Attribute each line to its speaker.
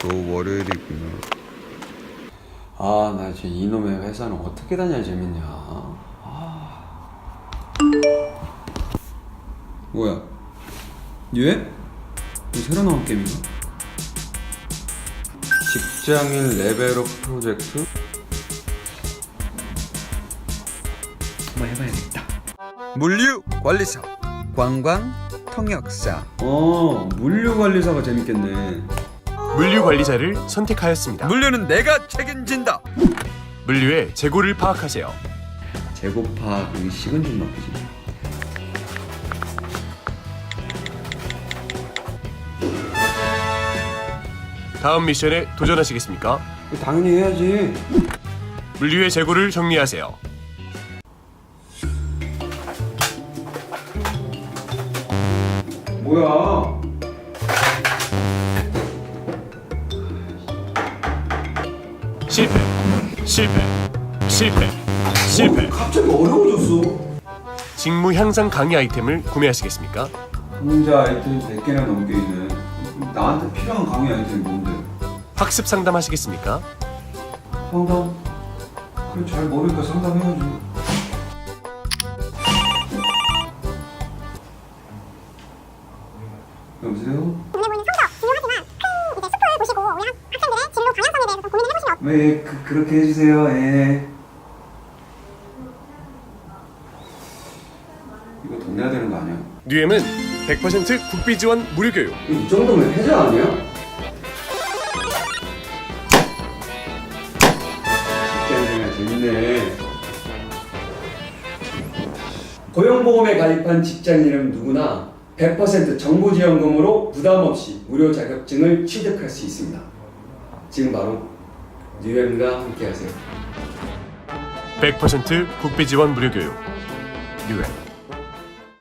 Speaker 1: 또 월요일이구나. 나 지금 이놈의 회사는 어떻게 다녀야 재밌냐. 뭐야? 얘? 이거 새로 나온 게임인가? 직장인 레벨업 프로젝트? 한번 해봐야겠다.
Speaker 2: 물류관리사, 관광통역사.
Speaker 1: 물류관리사가 재밌겠네.
Speaker 3: 물류관리사를 선택하였습니다.
Speaker 2: 물류는 내가 책임진다.
Speaker 3: 물류의 재고를 파악하세요.
Speaker 1: 재고 파악이 식은 죽 먹기지.
Speaker 3: 다음 미션에 도전하시겠습니까?
Speaker 1: 당연히 해야지.
Speaker 3: 물류의 재고를 정리하세요.
Speaker 1: 뭐야?
Speaker 3: 실패.
Speaker 1: 갑자기 어려워졌어.
Speaker 3: 직무 향상 강의 아이템을 구매하시겠습니까?
Speaker 1: 강좌 아이템 100개나 넘게 있네. 나한테 필요한 강의 아이템이 뭔데?
Speaker 3: 학습 상담하시겠습니까?
Speaker 1: 상담? 그래, 잘 모르니까 상담해야지. 여보세요?
Speaker 4: 눈에 보이는 성적 중요하지만 큰 이제 숲을 보시고 우리 학생들의 진로 방향성에 대해서 좀 고민을 해보시면
Speaker 1: 네, 그렇게 해주세요. 예. 이거 돈 내야 되는 거 아니야?
Speaker 3: 뉴엠은 100% 국비 지원 무료 교육.
Speaker 1: 이 정도면 해자 아니야? 직장생활 재밌네. 고용보험에 가입한 직장인은 누구나 100% 정부지원금으로 부담없이 무료 자격증을 취득할 수 있습니다. 지금 바로 뉴엠과 함께하세요.
Speaker 3: 100% 국비 지원 무료 교육. 뉴엠.